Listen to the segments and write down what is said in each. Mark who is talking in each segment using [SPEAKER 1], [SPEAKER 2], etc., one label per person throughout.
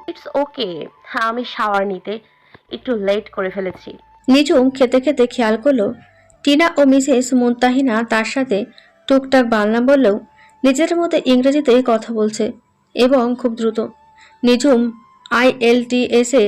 [SPEAKER 1] It's okay. হ্যাঁ, আমি shower নিতে একটু লেট করে ফেলেছি।
[SPEAKER 2] নিঝুম খেতে খেতে খেয়াল করলো টিনা ও মিসেস মুনতাহিনা তার সাথে টুকটাক বাংলা বললেও নিজের মধ্যে ইংরেজিতে কথা বলছে এবং খুব দ্রুত। নিঝুম IELTS-এ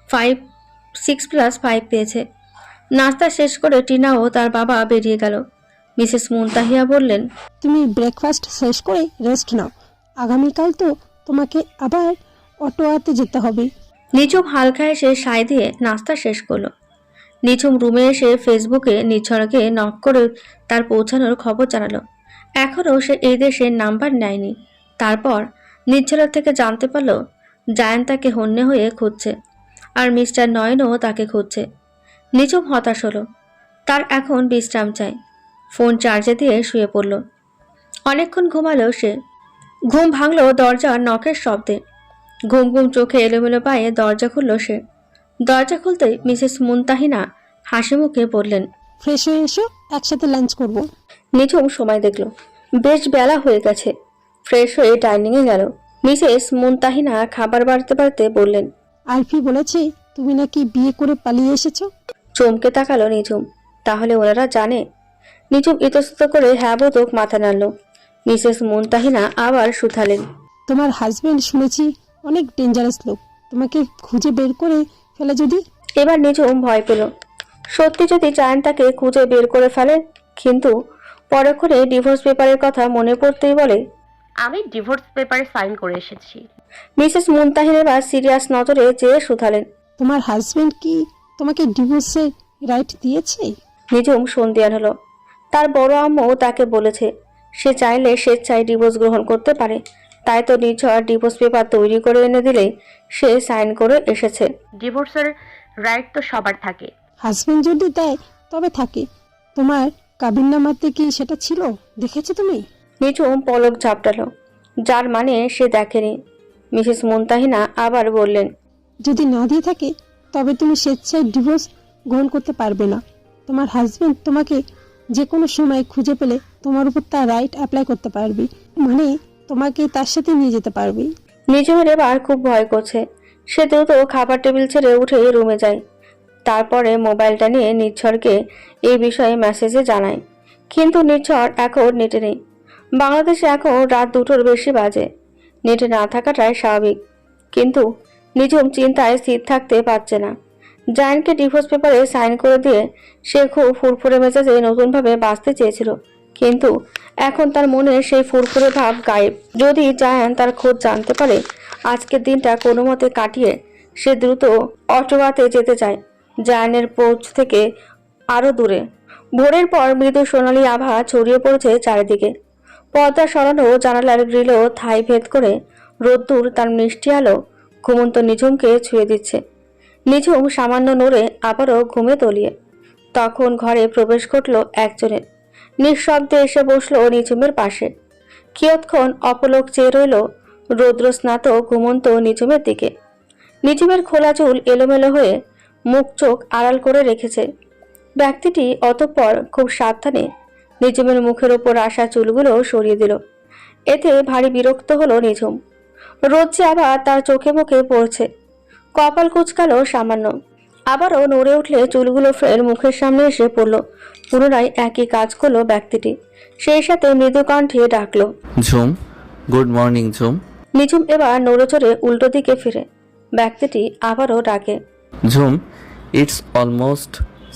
[SPEAKER 2] 6+5 পেয়েছে। নাস্তা শেষ করে টিনা ও তার বাবা বেরিয়ে গেল। মিসেস মুনতাহিয়া বললেন,
[SPEAKER 3] তুমি ব্রেকফাস্ট শেষ করে রেস্ট নাও, আগামীকাল তো তোমাকে আবার অটোয়াতে যেতে হবে।
[SPEAKER 2] নিঝুম হালকা এসে সায় দিয়ে নাস্তা শেষ করলো। নিঝুম রুমে এসে ফেসবুকে নিঝরকে নক করে তার পৌঁছানোর খবর জানালো। এখনও সে এই দেশের নাম্বার নেয়নি। তারপর নিঝরের থেকে জানতে পারল জায়ান তাকে হন্যে হয়ে খুঁজছে, আর মিস্টার নয়নও তাকে খুঁজছে। নিঝুম হতাশ হলো। তার এখন বিশ্রাম চাই। ফোন চার্জে দিয়ে শুয়ে পড়ল। অনেকক্ষণ ঘুমালো সে। ঘুম ভাঙল দরজার নখের শব্দে। ঘুম ঘুম চোখে এলোমেলো পায়ে দরজা খুলল সে। দরজা খুলতেই মিসেস মুনতাহিনা হাসি মুখে বললেন,
[SPEAKER 3] ফ্রেশ হয়ে এসো, একসাথে লাঞ্চ করব।
[SPEAKER 2] নিঝুম সময় দেখল বেশ বেলা হয়ে গেছে। ফ্রেশ হয়ে ডাইনিংয়ে গেল। মিসেস মুনতাহিনা খাবার বাড়তে বাড়তে বললেন,
[SPEAKER 3] আলফি বলেছে তুমি নাকি বিয়ে করে পালিয়ে এসেছো।
[SPEAKER 2] চমকে তাকালো নিঝুম। তাহলে ওনারা জানে? নিঝুম ইতস্তত করে হ্যাঁ বোধক মাথা নাড়ল। মিসেস মুনতাহিনা আবার শুধালেন,
[SPEAKER 3] তোমার হাজবেন্ড শুনেছি অনেক ডেঞ্জারাস লোক, তোমাকে খুঁজে বের করে ফেলে যদি।
[SPEAKER 2] এবার নিঝুম ভয় পেল। সত্যি যদি জায়ান তাকে খুঁজে বের করে ফেলে, কিন্তু পরক্ষণে ডিভোর্স পেপারের কথা মনে পড়তেই বলে,
[SPEAKER 1] আমি ডিভোর্স পেপারে সাইন করে এসেছি।
[SPEAKER 2] মিসেস মুনতাহিন এবার সিরিয়াস নজরে চেয়ে শুধালেন,
[SPEAKER 3] তোমার হাজবেন্ড কি তোমাকে ডিভোর্সের রাইট দিয়েছে?
[SPEAKER 2] নিঝুম সন্ধিয়ান হলো। তার বড় আম্মু তাকে বলেছে সে চাইলে স্বেচ্ছায় ডিভোর্স গ্রহণ করতে পারে। তাই তো নিঝড় ডিভোর্স পেপার তৈরি করে এনে দিলেই সে সাইন করে এসেছে।
[SPEAKER 1] ডিভোর্সের রাইট তো সবার থাকে।
[SPEAKER 3] হাজবেন্ড যদি দেয় তবে থাকে, তোমার কাবিননামাতে কি সেটা ছিল, দেখেছো তুমি?
[SPEAKER 2] নিঝুম পলক ঝাপটালো, যার মানে সে দেখেনি। মিসেস মুনতাহিনা আবার বললেন,
[SPEAKER 3] যদি না দিয়ে থাকে তবে তুমি স্বেচ্ছায় ডিভোর্স গ্রহণ করতে পারবে না। তোমার হাজবেন্ড তোমাকে যে কোনো সময় খুঁজে পেলে তোমার উপর তার রাইট অ্যাপ্লাই করতে পারবে, মানে তোমাকে তার সাথে নিয়ে যেতে পারবে।
[SPEAKER 2] নিঝুমের এবার খুব ভয় করছে। সে দ্রুত খাবার টেবিল ছেড়ে উঠে রুমে যায়। তারপরে মোবাইলটা নিয়ে নির্ঝরকে এই বিষয়ে মেসেজে জানায়। কিন্তু নির্ঝর এখন নেটে নেই। বাংলাদেশে এখন রাত 2টোর বেশি বাজে। নেটে না থাকাটাই স্বাভাবিক। কিন্তু নিঝুম চিন্তায় স্থির থাকতে পারছে না। জায়ানকে ডিভোর্স পেপারে সাইন করে দিয়ে সে খুব ফুরফুরে মেজাজে নতুনভাবে বাঁচতে চেয়েছিল। কিন্তু এখন তার মনে সেই ফুরফুরে ভাব গায়েব। যদি জায়ান তার খোঁজ জানতে পারে, আজকের দিনটা কোনো মতে কাটিয়ে সে দ্রুত অটোয়াতে যেতে চায়, জায়ানের পৌঁছ থেকে আরো দূরে। ভোরের পর মৃদু সোনালি আভা ছড়িয়ে পড়েছে চারিদিকে। পর্দা সরানো জানালার গ্রিলও ঠাঁই ভেদ করে রোদ্দুর তার মিষ্টি আলো ঘুমন্ত নিঝুমকে ছুঁয়ে দিচ্ছে। নিঝুম সামান্য নড়ে আবারও ঘুমে তলিয়ে। তখন ঘরে প্রবেশ ঘটল একজনের। নিঃশব্দে এসে বসলো নিঝুমের পাশে। কিয়ৎক্ষণ অপলক চেয়ে রইল রৌদ্রস্নাত ঘুমন্ত নিঝুমের দিকে। নিঝুমের খোলা চুল এলোমেলো হয়ে মুখ চোখ আড়াল করে রেখেছে। ব্যক্তিটি অতঃপর খুব সাবধানে নিঝুমের মুখের ওপর আসা চুলগুলো সরিয়ে দিল। এতে ভারী বিরক্ত হলো নিঝুম। রোদ যে আবার তার চোখে মুখে পড়ছে। কপাল কুচকালো সামান্য। আবারও নড়ে উঠলে চুলগুলো ফের মুখের সামনে এসে পড়ল। পুনরায় একই কাজ করলো ব্যক্তিটি। সেই সাথে মৃদু কণ্ঠে ডাকলো,
[SPEAKER 4] ঝুম। গুড মর্নিং ঝুম।
[SPEAKER 2] নিঝুম এবার নড়ে চড়ে উল্টো দিকে ফিরে। ব্যক্তিটি আবারও ডাকে,
[SPEAKER 4] Jhum, it's almost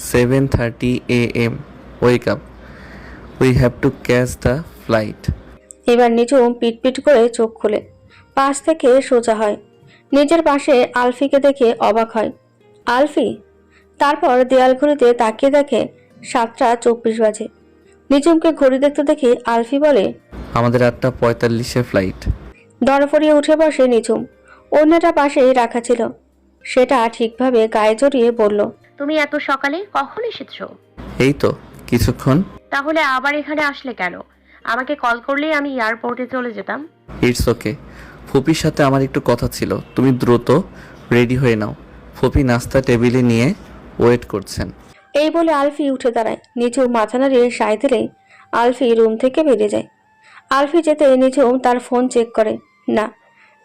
[SPEAKER 4] 7:30 AM. Wake up, we have to catch the flight.
[SPEAKER 2] এবার নিঝুম পিটপিট করে চোখ খুলে পাশ থেকে সোজা হয়। নিজের পাশে আলফিকে দেখে অবাক হয়। আলফি? তারপর দেয়াল ঘড়িতে তাকিয়ে দেখে 7টা 24 বাজে। নিঝুমকে ঘড়ি দেখতে দেখে আলফি বলে,
[SPEAKER 4] আমাদের 8:45-এ ফ্লাইট।
[SPEAKER 2] দরফরিয়ে উঠে বসে নিঝুম। অন্যটা পাশেই রাখা ছিল। সেটা ঠিকভাবে গায়ে জড়িয়ে বলল,
[SPEAKER 1] তুমি এত সকালে কখন এসেছো?
[SPEAKER 4] এই তো কিছুক্ষণ।
[SPEAKER 1] তাহলে আবার এখানে আসলে কেন? আমাকে কল করলেই আমি এয়ারপোর্টে চলে যেতাম।
[SPEAKER 4] ইটস ওকে, ফুপির সাথে আমার একটু কথা ছিল। তুমি দ্রুত রেডি হয়ে নাও, ফুপি নাস্তা টেবিলে নিয়ে ওয়েট করছেন।
[SPEAKER 2] এই বলে আলফি উঠে দাঁড়ায়। নিঝুম মাথা নাড়িয়ে সায় দিলেই আলফি রুম থেকে বেরিয়ে যায়। আলফি যেতে নিঝুম তার ফোন চেক করে। না,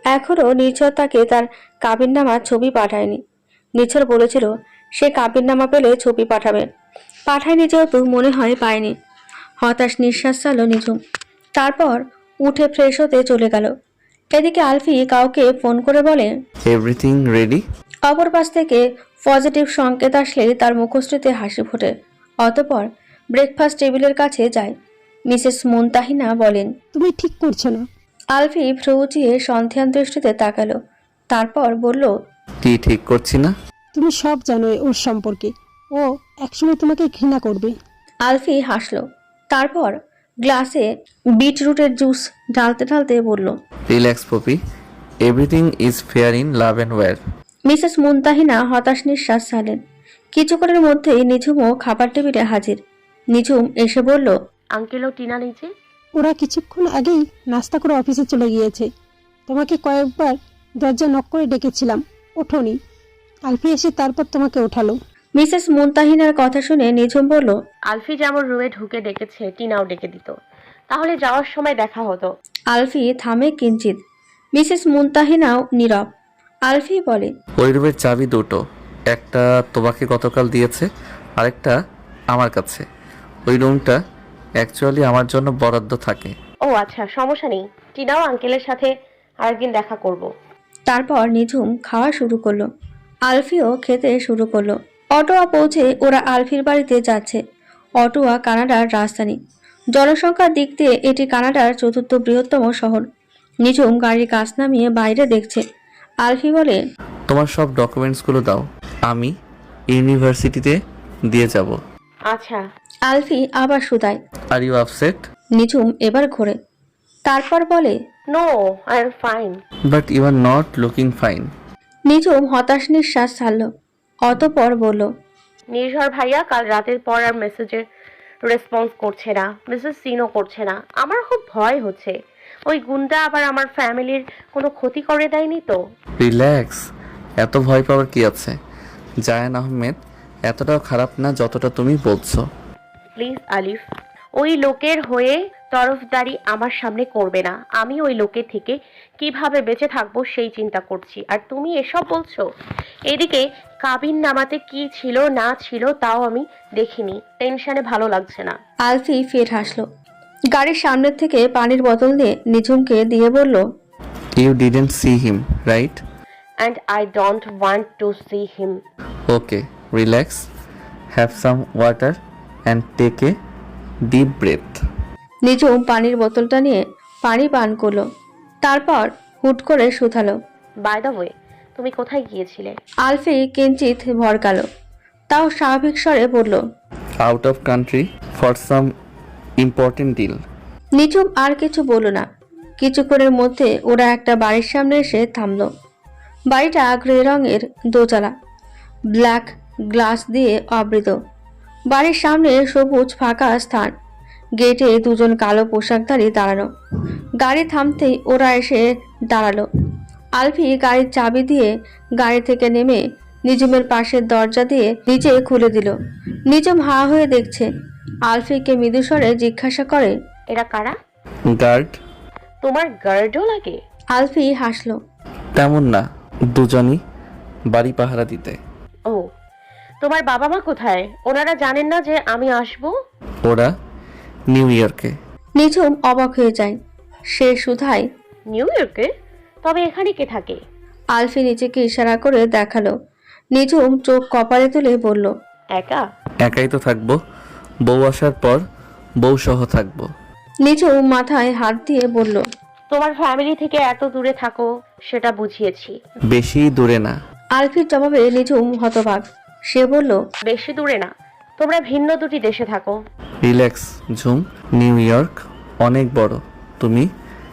[SPEAKER 2] এখনও নির্ঝর তাকে তার কাবিননামার ছবি পাঠায়নি। নির্ঝর বলেছিল সে কাবিননামা পেলে ছবি পাঠাবে, পাঠায়নি যেহেতু মনে হয় পায়নি। হতাশ নিঃশ্বাস ছাড়ল নিঝুম। তারপর উঠে ফ্রেশ হতে চলে গেল। এদিকে আলফি কাউকে ফোন করে বলে
[SPEAKER 4] এভরিথিং রেডি?
[SPEAKER 2] অপর পাশ থেকে পজিটিভ সংকেত আসলেই তার মুখশ্রীতে হাসি ফোটে। অতঃপর ব্রেকফাস্ট টেবিলের কাছে যায়। মিসেস মুনতাহিনা বলেন,
[SPEAKER 3] তুমি ঠিক করছো না।
[SPEAKER 2] আলফি ভ্রু উঁচিয়ে সন্ধিয়ান দৃষ্টিতে তাকালো। তারপর বলল,
[SPEAKER 4] কি ঠিক করছি না?
[SPEAKER 3] তুমি সব জানো ওর সম্পর্কে। ও একসময় তোমাকে ঘৃণা করবে।
[SPEAKER 2] আলফি হাসল। তারপর গ্লাসে বিটরুটের জুস ঢালতে ঢালতে বলল,
[SPEAKER 4] relax Popy, everything is fair in love and war.
[SPEAKER 2] Mrs Muntahina হতাশ নিঃশ্বাস ছাড়লেন। কিছুক্ষণের মধ্যেই নিঝুমও খাবার টেবিলে হাজির। নিঝুম এসে বলল,
[SPEAKER 1] আঙ্কেল ও টিনা নিচে।
[SPEAKER 3] ওরা কিছুক্ষণ আগেই নাস্তা করে অফিসে চলে গিয়েছে। তোমাকে কয়েকবার দরজা নক করে ডেকেছিলাম, ওঠোনি। আলফি এসে তারপর তোমাকে ওঠালো।
[SPEAKER 2] মিসেস মুনতাহিনার কথা শুনে নিঝুম বলল,
[SPEAKER 1] আলফি যেমন রুমে ঢুকে ডেকেছে, টিনাও ডেকে দিত, তাহলে যাওয়ার সময় দেখা হতো।
[SPEAKER 2] আলফি থামে কিঞ্চিত। মিসেস মুনতাহিনাও নীরব। আলফি বলে,
[SPEAKER 4] ওই রুমের চাবি দুটো, একটা তোমাকে গতকাল দিয়েছে, আরেকটা আমার কাছে। ওই রুমটা অ্যাকচুয়ালি আমার জন্য বরাদ্দ থাকে।
[SPEAKER 1] ও আচ্ছা, সমস্যা নেই, টিনাও আঙ্কেলের সাথে আরেকদিন দেখা করব।
[SPEAKER 2] তারপর নিঝুম খাওয়া শুরু করলো। আলফিও খেতে শুরু করলো। অটোয়া পৌঁছে ওরা আলফির বাড়িতে যাচ্ছে। অটোয়া কানাডার রাজধানী। জনসংখ্যার দিক দিয়ে এটি কানাডার চতুর্থ বৃহত্তম শহর। নিঝুম গাড়ির কাছ নামিয়ে বাইরে দেখছে। আলফি বলে,
[SPEAKER 4] তোমার সব ডকুমেন্টসগুলো দাও, আমি ইউনিভার্সিটিতে দিয়ে যাব।
[SPEAKER 1] আচ্ছা।
[SPEAKER 2] আলফি আবার শুধায়।
[SPEAKER 4] Are you upset?
[SPEAKER 2] নিঝুম এবার ঘোরে। তারপর বলে,
[SPEAKER 1] no, I am fine.
[SPEAKER 4] But you are not looking fine.
[SPEAKER 2] Nijhum হতাশ নিঃশ্বাস ছাড়ল। অতঃপর বলল,
[SPEAKER 1] নির্ঝর ভাইয়া কাল রাতের পর আর মেসেজের রেসপন্স করছে না, মেসেজ সিনও করছে না। আমার খুব ভয় হচ্ছে ওই গুন্ডা আবার আমার ফ্যামিলির কোনো ক্ষতি করে দেয়নি তো।
[SPEAKER 4] রিল্যাক্স, এত ভয় পাওয়ার কি আছে? জায়ান আহমেদ এতটাও খারাপ না যতটা তুমি বলছো।
[SPEAKER 1] প্লিজ আলিফ, ওই লোকের হয়ে তরফদারি আমার সামনে করবে না। আমি ওই লোকের থেকে কিভাবে বেঁচে থাকবো সেই চিন্তা করছি, আর তুমি এসব বলছো। এদিকে কাবিন নামাতে কি ছিল না ছিল তাও আমি দেখিনি, টেনশনে ভালো লাগছে না।
[SPEAKER 2] আলফি ফের হাসল। গাড়ির সামনের থেকে পানির বোতল দিয়ে নিঝুমকে দিয়ে বলল,
[SPEAKER 4] you didn't see him, right?
[SPEAKER 1] And I don't want to see him.
[SPEAKER 4] Okay, relax, have some water and take a deep breath.
[SPEAKER 2] Nijhum পানির বোতলটা নিয়ে পানি পান করলো। তারপর হুট করে শুধালো,
[SPEAKER 1] বাই দ্য ওয়ে, তুমি কোথায় গিয়েছিলে?
[SPEAKER 2] আলফি কিঞ্চিত ভরকালো। তাও স্বাভাবিক স্বরে বলল,
[SPEAKER 4] out of country for some important deal.
[SPEAKER 2] Nijhum আর কিছু বলল না। কিছুক্ষণের মধ্যে ওরা একটা বাড়ির সামনে এসে থামলো। বাড়িটা গ্রে রঙের, দোতলা, ব্ল্যাক গ্লাস দিয়ে আবৃত। বাড়ির সামনে সবুজ ফাঁকা স্থান। গেটে দুজন কালো পোশাকধারী দাঁড়ানো। গাড়ি থামতেই ওরা এসে দাঁড়ালো। আলফি গাড়ির চাবি দিয়ে গাড়ি থেকে নেমে নিঝুমের পাশের দরজা দিয়ে নিচে খুলে দিল। নিঝুম হা হয়ে দেখছে। আলফিকে মৃদুস্বরে জিজ্ঞাসা করে,
[SPEAKER 1] এরা কারা?
[SPEAKER 4] গার্ড।
[SPEAKER 1] তোমার গার্ডও লাগে?
[SPEAKER 2] আলফি হাসলো।
[SPEAKER 4] তেমন না, দুজনই বাড়ি পাহারা দিতে।
[SPEAKER 1] ও, তোমার বাবা মা কোথায়? ওনারা জানেন না যে আমি আসবো?
[SPEAKER 4] ওরা নিউ ইয়র্কে।
[SPEAKER 2] নিঝুম অবাক হয়ে যায়। সে শুধায়,
[SPEAKER 1] নিউ ইয়র্কে? তবে এখানে কে থাকে?
[SPEAKER 2] আলফি নিচেকে ইশারা করে দেখালো। নিঝুম চোখ কপালে তুলে বলল,
[SPEAKER 1] একা?
[SPEAKER 4] একাই তো থাকবো, বউ আসার পর বউ সহ থাকবো।
[SPEAKER 2] নিঝুম মাথায় হাত দিয়ে বলল,
[SPEAKER 1] তোমার ফ্যামিলি থেকে এত দূরে থাকো সেটা বুঝিয়েছি।
[SPEAKER 4] বেশি দূরে না।
[SPEAKER 2] আলফির জবাবে নিঝুম হতবাক। সে বলল,
[SPEAKER 1] বেশি দূরে না, তোমরা ভিন্ন দুটি দেশে থাকো।
[SPEAKER 4] রিল্যাক্স ঝুম, নিউ ইয়র্ক অনেক বড়, তুমি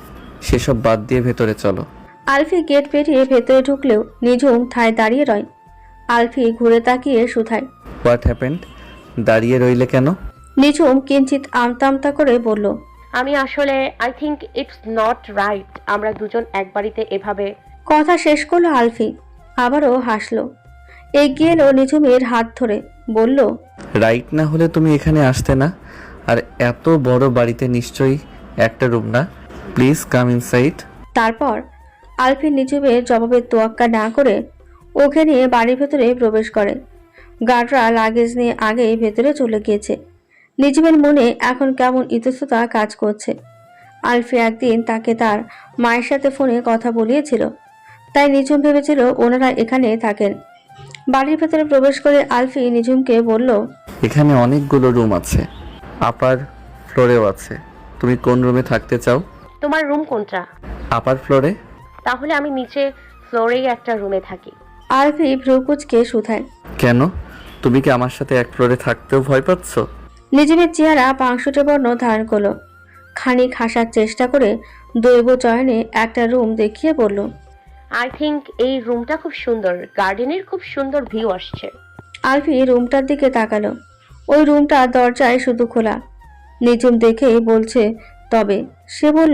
[SPEAKER 4] সেসব বাদ দিয়ে ভেতরে চলো।
[SPEAKER 2] আলফি গেট পেরিয়ে ভেতরে ঢুকলেও নিঝুম ঠায় দাঁড়িয়ে রয়। আলফি ঘুরে তাকিয়ে শুধায়,
[SPEAKER 4] হোয়াট হ্যাপেন্ড? দাঁড়িয়ে রইলে কেন?
[SPEAKER 2] নিঝুম কিঞ্চিত আমতা আমতা করে বলল,
[SPEAKER 1] আমি আসলে I think it's not right আমরা দুজন এক বাড়িতে এভাবে।
[SPEAKER 2] কথা শেষ করলো আলফি। আবারও হাসলো। এগিয়ে এলো নিঝুমের হাত ধরে বলল,
[SPEAKER 4] রাইট না হলে তুমি এখানে আসতে না। আর এত বড় বাড়িতে নিশ্চয়ই একটা রুম না। Please come inside.
[SPEAKER 2] তারপর আলফি নিঝুমের জবাবের তোয়াক্কা না করে ওকে নিয়ে বাড়ির ভেতরে প্রবেশ করে। গার্ডরা লাগেজ নিয়ে আগেই ভেতরে চলে গিয়েছে। নিঝুমের মনে এখন কেমন ইতস্ততা কাজ করছে। আলফি একদিন তাকে তার মায়ের সাথে ফোনে কথা বলিয়েছিল, তাই নিঝুম ভেবেছিল ওনারা এখানে থাকেন। বাড়ির ভেতরে প্রবেশ করে আলফি নিঝুমকে বলল,
[SPEAKER 4] এখানে অনেকগুলো রুম আছে, আপার ফ্লোরেও আছে। তুমি কোন রুমে থাকতে চাও?
[SPEAKER 1] তোমার রুম কোনটা?
[SPEAKER 4] আপার ফ্লোরে।
[SPEAKER 1] তাহলে আমি নিচে ফ্লোরেই একটা রুমে থাকি।
[SPEAKER 2] আলফি ভ্রুকুচকে শুধায়।
[SPEAKER 4] কেন? তুমি কি আমার সাথে এক ফ্লোরে থাকতেও ভয় পাচ্ছ?
[SPEAKER 2] নিঝুমের চেহারা পাংশুটে বর্ণ ধারণ করলো। খানিক হাসার চেষ্টা করে দৈব চয়নে একটা রুম দেখিয়ে বলল,
[SPEAKER 1] আই থিঙ্ক এই রুমটা খুব সুন্দর, গার্ডেনের খুব সুন্দর ভিউ আসছে।
[SPEAKER 2] আলফি রুমটার দিকে তাকালো। ওই রুমটা দরজায় শুধু খোলা। নিঝুম দেখেই বলছে তবে। সে বলল,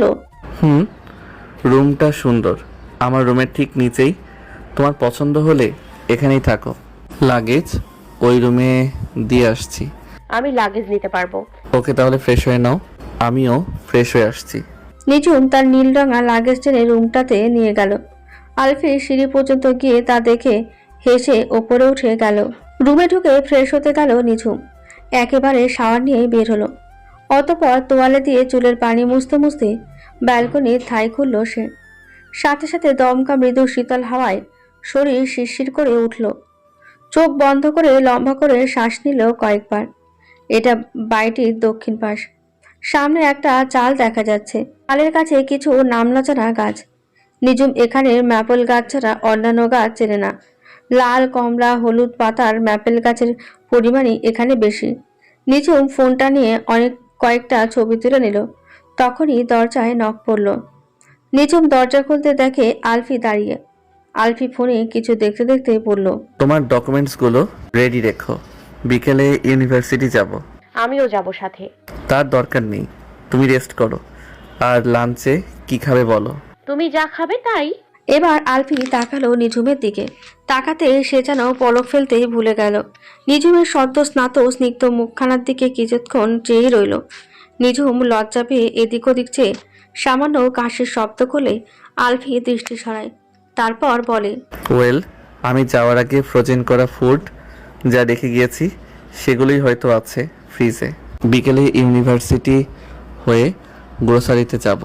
[SPEAKER 4] রুমটা সুন্দর, আমার রুমের ঠিক নিচেই। তোমার পছন্দ হলে এখানেই থাকো। লাগেজ ওই রুমে দিয়ে আসছি।
[SPEAKER 1] আমি লাগেজ নিতে পারবো।
[SPEAKER 4] ওকে, তাহলে ফ্রেশ হয়ে নাও, আমিও ফ্রেশ হয়ে আসছি।
[SPEAKER 2] নিঝুম তার নীল রঙা লাগেজ টেনে রুমটাতে নিয়ে গেল। আলফি সিঁড়ি পর্যন্ত গিয়ে তা দেখে হেসে ওপরে উঠে গেল। রুমে ঢুকে ফ্রেশ হতে গেল নিঝুম। একেবারে শাওয়ার নিয়ে বের হলো। অতঃপর তোয়ালে দিয়ে চুলের পানি মুছতে মুছতে ব্যালকনির ঠাঁই খুলল সে। সাথে সাথে দমকা মৃদু শীতল হাওয়ায় শরীর শিরশির করে উঠল। চোখ বন্ধ করে লম্বা করে শ্বাস নিল কয়েকবার। এটা বাড়িটির দক্ষিণ পাশ। সামনে একটা চাল দেখা যাচ্ছে। চালের কাছে কিছু নামলাচানা গাছ। নিঝুম এখানের ম্যাপেল গাছ ছাড়া অন্যান্য গাছ চেনে না। লাল, কমলা, হলুদ পাতার ম্যাপেল গাছের পরিমাণই এখানে বেশি। নিঝুম ফোনটা নিয়ে কয়েকটা ছবি তুলে নিল। তখনই দরজায় নক পড়ল। নিঝুম দরজা খুলতে দেখে আলফি দাঁড়িয়ে। আলফি ফোনে কিছু দেখতে দেখতে বলল,
[SPEAKER 4] তোমার ডকুমেন্টসগুলো রেডি রেখো, বিকেলে ইউনিভার্সিটি যাব।
[SPEAKER 1] আমিও যাব সাথে।
[SPEAKER 4] তার দরকার নেই, তুমি রেস্ট করো। আর লাঞ্চে কি খাবে বলো?
[SPEAKER 1] তুমি যা খাবে তাই।
[SPEAKER 2] এবার আলফি তাকালো নিঝুমের দিকে। তাকাতে সে যেন পলক ফেলতেই ভুলে গেল। নিঝুমের সদ্য স্নাত স্নিগ্ধ মুখখানার দিকে কিছুক্ষণ চেয়ে রইল। নিঝুম লজ্জা পেয়ে এদিক ওদিক চেয়ে সামান্য কাশির শব্দ করলে আলফি দৃষ্টি সরায়। তারপর বলে,
[SPEAKER 4] ওয়েল, আমি যাওয়ার আগে ফ্রোজেন করা ফুড যা রেখে গিয়েছি সেগুলোই হয়তো আছে ফ্রিজে। বিকেলে ইউনিভার্সিটি হয়ে গ্রোসারিতে যাব।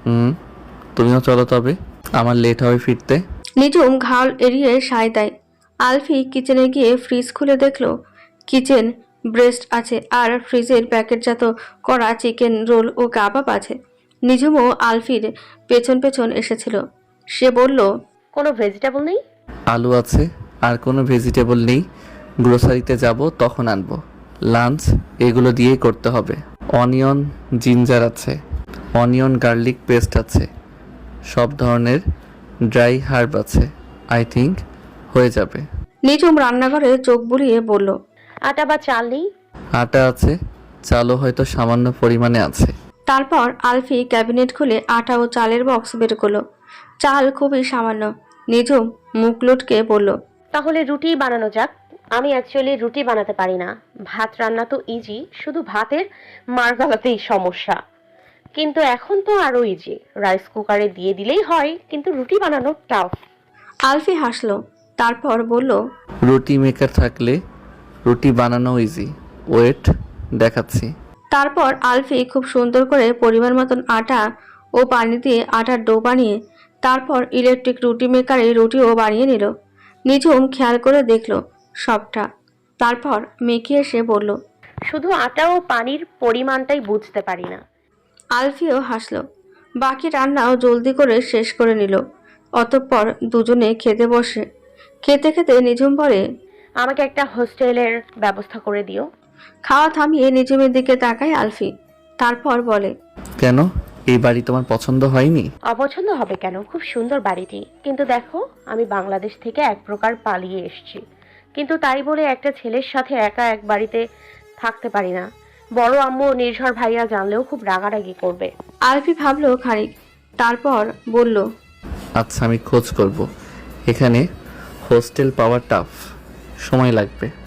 [SPEAKER 4] তুমিও চলো, তবে আমার লেট হবে ফিরতে।
[SPEAKER 2] নিঝুম ঘাল এড়িয়ে সায় দেয়। আলফি কিচেনে গিয়ে ফ্রিজ খুলে দেখলো কিচেন ব্রেস্ট আছে আর ফ্রিজের প্যাকেটজাত করা চিকেন রোল ও কাবাব আছে। নিঝুমও আলফির পেছন পেছন এসেছিল। সে বলল,
[SPEAKER 1] কোনো ভেজিটেবল নেই?
[SPEAKER 4] আলু আছে, আর কোনো ভেজিটেবল নেই। গ্রোসারিতে যাব তখন আনবো। লাঞ্চ এগুলো দিয়েই করতে হবে। অনিয়ন জিঞ্জার আছে, অনিয়ন গার্লিক পেস্ট আছে, সব ধরনের ড্রাই হার্ব আছে। আই থিঙ্ক হয়ে যাবে।
[SPEAKER 2] নিঝুম রান্নাঘরে চোখ বুলিয়ে বলল,
[SPEAKER 1] আটা বা চাল নেই?
[SPEAKER 4] আটা আছে, চালও হয়তো সামান্য পরিমাণে আছে।
[SPEAKER 2] তারপর আলফি ক্যাবিনেট খুলে আটা ও চালের বক্স বের করলো। চাল খুবই সামান্য। নিঝুম মুখ লুটকে বলল,
[SPEAKER 1] তাহলে রুটি বানানো যাক। আমি অ্যাকচুয়ালি রুটি বানাতে পারি না। ভাত রান্না তো ইজি, শুধু ভাতের মার গলাতেই সমস্যা। কিন্তু এখন তো আরো ইজি, রাইস কুকারে দিয়ে দিলেই হয়, কিন্তু রুটি বানানো টাফ।
[SPEAKER 2] আলফি হাসলো। তারপর বলল,
[SPEAKER 4] রুটি মেকার থাকলে রুটি বানানো ইজি। ওয়েট, দেখাচ্ছি।
[SPEAKER 2] তারপর আলফি খুব সুন্দর করে পরিমাণ মতন আটা ও পানি দিয়ে আটার ডো বানিয়ে তারপর ইলেকট্রিক রুটি মেকারে রুটিও বানিয়ে নিল। নিঝুম খেয়াল করে দেখলো সবটা। তারপর মেখে এসে বলল,
[SPEAKER 1] শুধু আটা ও পানির পরিমাণটাই বুঝতে পারি না।
[SPEAKER 2] আলফিও হাসলো। বাকি রান্নাও জলদি করে শেষ করে নিল। অতঃপর দুজনে খেতে বসে। খেতে খেতে নিঝুম বলে,
[SPEAKER 1] আমাকে একটা হোস্টেলের ব্যবস্থা করে দিও।
[SPEAKER 2] খাওয়া থামিয়ে নিঝুমের দিকে তাকায় আলফি। তারপর বলে,
[SPEAKER 4] কেন, এই বাড়ি তোমার পছন্দ হয়নি?
[SPEAKER 1] অপছন্দ হবে কেন? খুব সুন্দর বাড়িটি। কিন্তু দেখো, আমি বাংলাদেশ থেকে এক প্রকার পালিয়ে এসেছি, কিন্তু তাই বলে একটা ছেলের সাথে একা এক বাড়িতে থাকতে পারি না। বড় আম্মু ও নির্ঝর ভাইয়া জানলেও খুব রাগারাগি করবে।
[SPEAKER 2] আলফি ভাবলো খানিক। তারপর বলল,
[SPEAKER 4] আচ্ছা, আমি খোঁজ করব। এখানে হোস্টেল পাওয়া টাফ, সময় লাগবে।